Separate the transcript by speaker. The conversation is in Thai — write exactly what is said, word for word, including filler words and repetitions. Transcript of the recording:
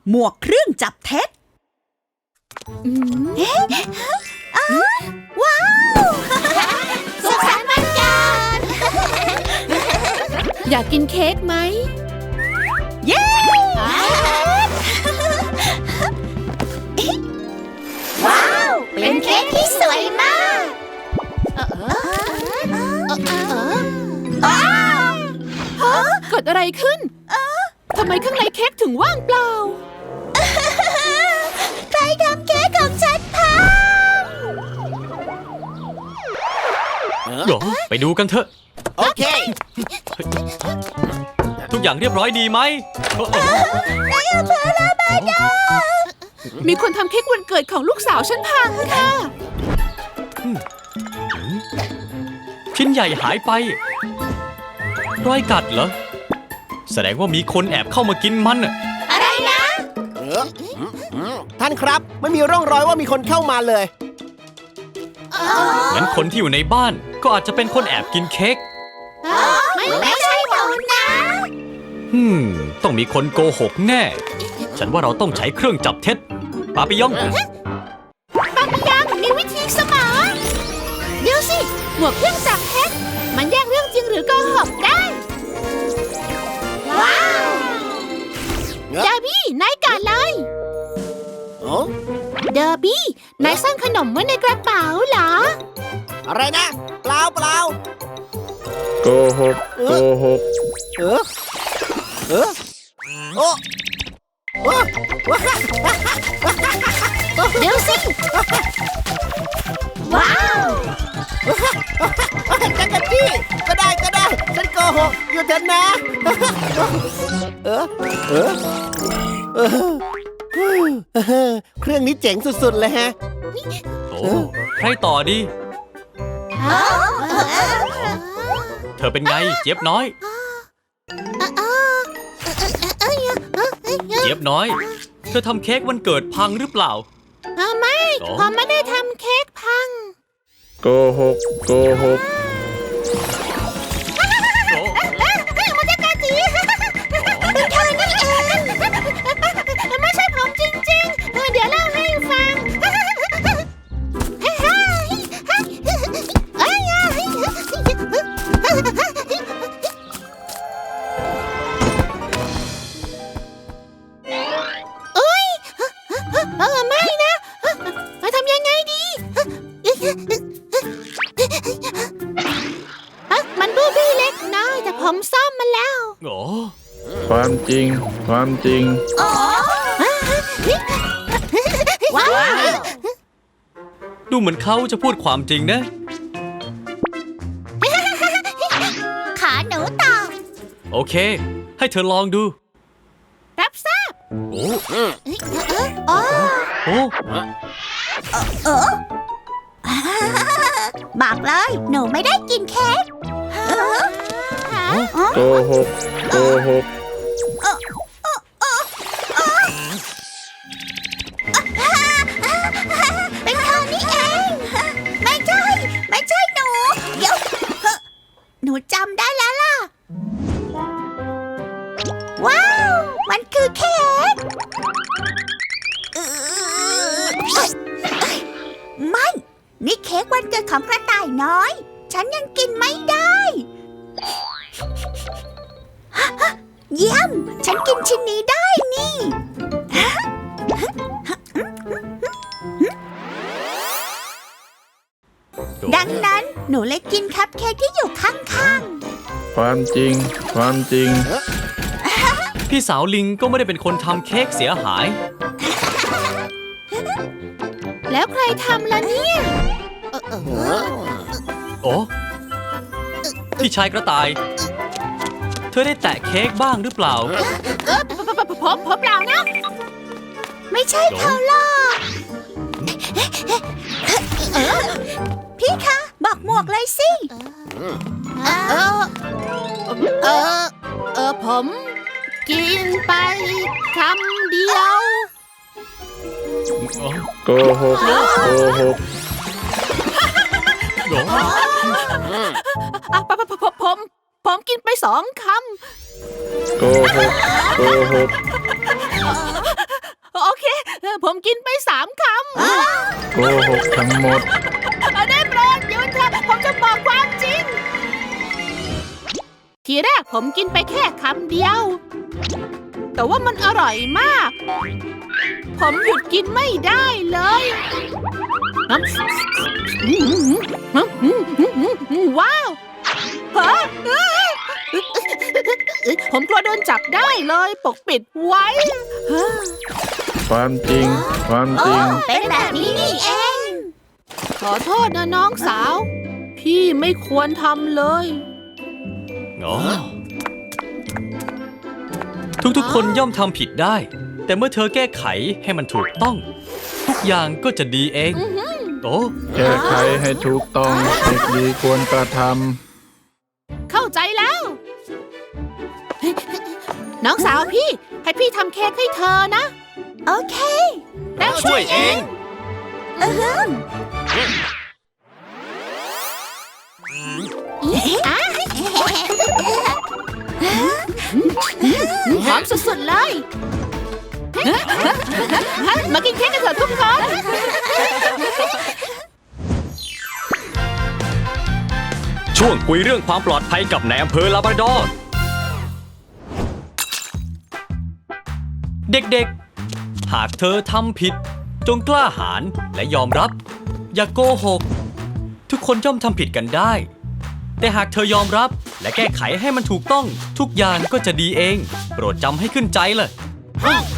Speaker 1: หมวกเครื่องจับเท็จเอ๊ะว้าวสุขสันต์วันเกิด
Speaker 2: อยากกินเค้กไหม
Speaker 1: เย้ว้าวเป็นเค้กที่สวยมาก
Speaker 2: เกิดอะไรขึ้นทำไมข้างในเค้กถึงว่างเปล่า
Speaker 1: ใครทำเค้กของฉันพัง
Speaker 3: เดี๋ยวไปดูกันเถอะ
Speaker 4: โอเค
Speaker 3: ทุกอย่างเรียบร้อยดีไหม
Speaker 2: มีคนทำเค้กวันเกิดของลูกสาวฉันพังค่ะ
Speaker 3: ชิ้นใหญ่หายไปรอยกัดเหรอแสดงว่ามีคนแอบเข้ามากินมัน
Speaker 1: อะไรนะ
Speaker 4: ท่านครับไม่มีร่องรอยว่ามีคนเข้ามาเลย
Speaker 3: งั้นคนที่อยู่ในบ้านก็อาจจะเป็นคนแอบกินเค้ก
Speaker 1: ไม่ไม่ใช่หนูนะ
Speaker 3: ฮึมต้องมีคนโกหกแน่ฉันว่าเราต้องใช้เครื่องจับเท็จปาปิยอง
Speaker 1: ปาปิยองมีวิธีสมองเดี๋ยวสิหมวกเครื่องจับเท็จมันแยกเรื่องจริงหรือโกหกได้ว้าวเดอร์บี้นายก่อนเลยเดอร์บี้นายซ่อนขนมไว้ในกระเป๋าเหรอ
Speaker 4: อะไรนะเปล่าเปล่า
Speaker 5: โกหกโกหก
Speaker 4: เออเออโอ้
Speaker 1: เดี๋ยวสิว้าว
Speaker 4: จักรจี้ก็ได้ก็ได้ฉันโกหกอยู่เถอะนะเออเออเออเครื่องนี้เจ๋งสุดๆเลยฮะ
Speaker 3: โอ้ใครต่อดีเธอเป็นไงเจี๊ยบน้อยเจี๊ยบน้อยเธอทำเค้กวันเกิดพังหรือเปล่า
Speaker 1: ไม่ผมไม่ได้ทำเค้กพัง
Speaker 5: โกหกโกหก
Speaker 1: มันจะกระจีเป็นเธอนี่เองไม่ใช่ผมจริงๆเดี๋ยวเล่าให้ฟังเออไม่นะทำยังไงดีมันบูบี้เล็กน้อยแต่ผมซ่อมมันแล้ว
Speaker 3: โอ้
Speaker 5: ความจริงความจริง
Speaker 1: ว้าว
Speaker 3: ดูเหมือนเขาจะพูดความจริงนะ
Speaker 1: ขาหนูต่อ
Speaker 3: โอเคให้เธอลองดู
Speaker 1: รับทราบ
Speaker 3: โอ้
Speaker 1: โอ้
Speaker 3: โอ้
Speaker 1: เออบอกเลยหนูไม่ได้กินเค้ก
Speaker 5: โกหกโกหก
Speaker 1: เป็นเธอนี่เองไม่ใช่ไม่ใช่หนูเดี๋ยวหนูจำได้แล้วล่ะว้าวมันคือเค้กไม่นี่เค้กวันเกิดของกระต่ายน้อยฉันยังกินไม่ได้เยี่ยมฉันกินชิ้นนี้ได้นี่ดังนั้นหนูเลยกินคัพเค้กที่อยู่ข้าง
Speaker 5: ๆความจริงความจริง
Speaker 3: พี่สาวลิงก็ไม่ได้เป็นคนทำเค้กเสียหาย
Speaker 2: แล้วใครทำล่ะเนี่ย
Speaker 3: โอ้พี่ชายกระต่ายเธอได้แตะเค้กบ้างหรือเปล่า
Speaker 2: ผมผมเปล่านะ
Speaker 1: ไม่ใช่เขาหรอกพี่คะบอกหมวกเลยสิ
Speaker 2: เออเออเออผมกินไปคำเดียว
Speaker 5: โกหกโกหก
Speaker 2: อ่ะผมผมผมกินไปสองคำ
Speaker 5: โกหกโกหก
Speaker 2: โอเค ผมกินไปสามคำ
Speaker 5: โกหกทั้งหมด
Speaker 2: ได้โปรดหยุดเถอะผมจะบอกความจริง ทีแรกผมกินไปแค่คำเดียว แต่ว่ามันอร่อยมาก ผมหยุดกินไม่ได้เลยน้ำว้าวฮะผมกลัวโดนจับได้เลยปกปิดไว้
Speaker 5: ความจริง ความจริง
Speaker 1: เป็นแบบนี้นี่เอง
Speaker 2: ขอโทษนะน้องสาว พี่ไม่ควรทำเลย
Speaker 3: อ๋อทุกๆ คนย่อมทำผิดได้ แต่เมื่อเธอแก้ไขให้มันถูกต้อง ทุกอย่างก็จะดีเอง โอ้
Speaker 5: แก้ไขให้ถูกต้องเด็กดีควรกระท
Speaker 2: เข้าใจแล้ว น้องสาวพี่ ให้พี่ทำเค้กให้เธอนะ
Speaker 1: โอเค
Speaker 2: แล้ว
Speaker 3: ช่วยเอง
Speaker 1: อือฮึอ่ะ
Speaker 2: หอมสุดๆเลย มากินเค้กกันเถอะทุกคน
Speaker 3: ช่วงคุยเรื่องความปลอดภัยกับนายอำเภอลาบราดอร์ เด็กๆ หากเธอทำผิด จงกล้าหาญและยอมรับ อย่าโกหก ทุกคนย่อมทำผิดกันได้ แต่หากเธอยอมรับและแก้ไขให้มันถูกต้อง ทุกอย่างก็จะดีเอง โปรดจำให้ขึ้นใจเลย
Speaker 1: ฮ